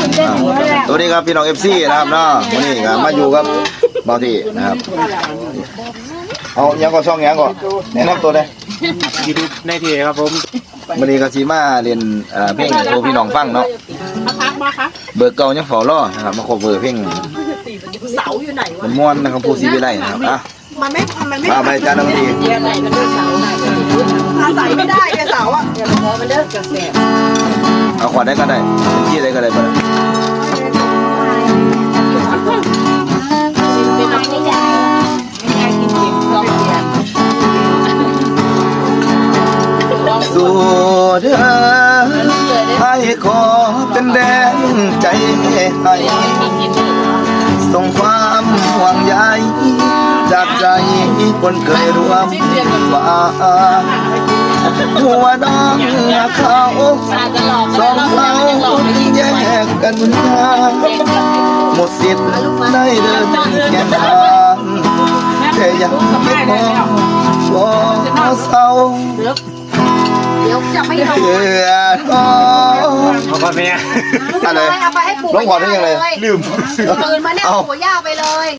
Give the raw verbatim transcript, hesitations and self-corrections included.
สวัสดีครับพี่น้องเอฟซีนะครับเนาะวันนี้ก็มาอยู่กับเบาทีนะครับเอายังก็ช่องยังก็แนะนำตัวเลยยูทูบในทีครับผมวันนี้ก็สีมาเรียนเพลงโชว์พี่น้องฟังเนาะเบอร์เก่ายังฝ่อล่อนะครับมาขอเบอร์เพลงเสาอยู่ไหนวะมันม้วนนะครับผู้ซีวิไลนะครับอ่ะมันไม่มันไม่มาไปจ้าน้ำดีอาศัยไม่ได้แกเสาอ่ะเดี๋ยวพอมันเลิกกระแสเอาขวดได้ก็ได้ที่ได้ก็ได้ไปสู่เธอให้ขอเป็นแรงใจให้ส่งความห่วงใยจากใจคนเคยร่วมฝ่าหัวน้องเขาสองเราแยกกันมาหมดสิทธิ์ได้เดินแก่ทางแค่ยังไม่พอก็เศร้าเดี๋ยวจะไม่เอาเพื่อท้อขอบคุณแม่อะไรเอาไปให้ปู่ร้องขอได้ยังไงลืมตื่นมาเนี่ยปู่ย่าไปเลย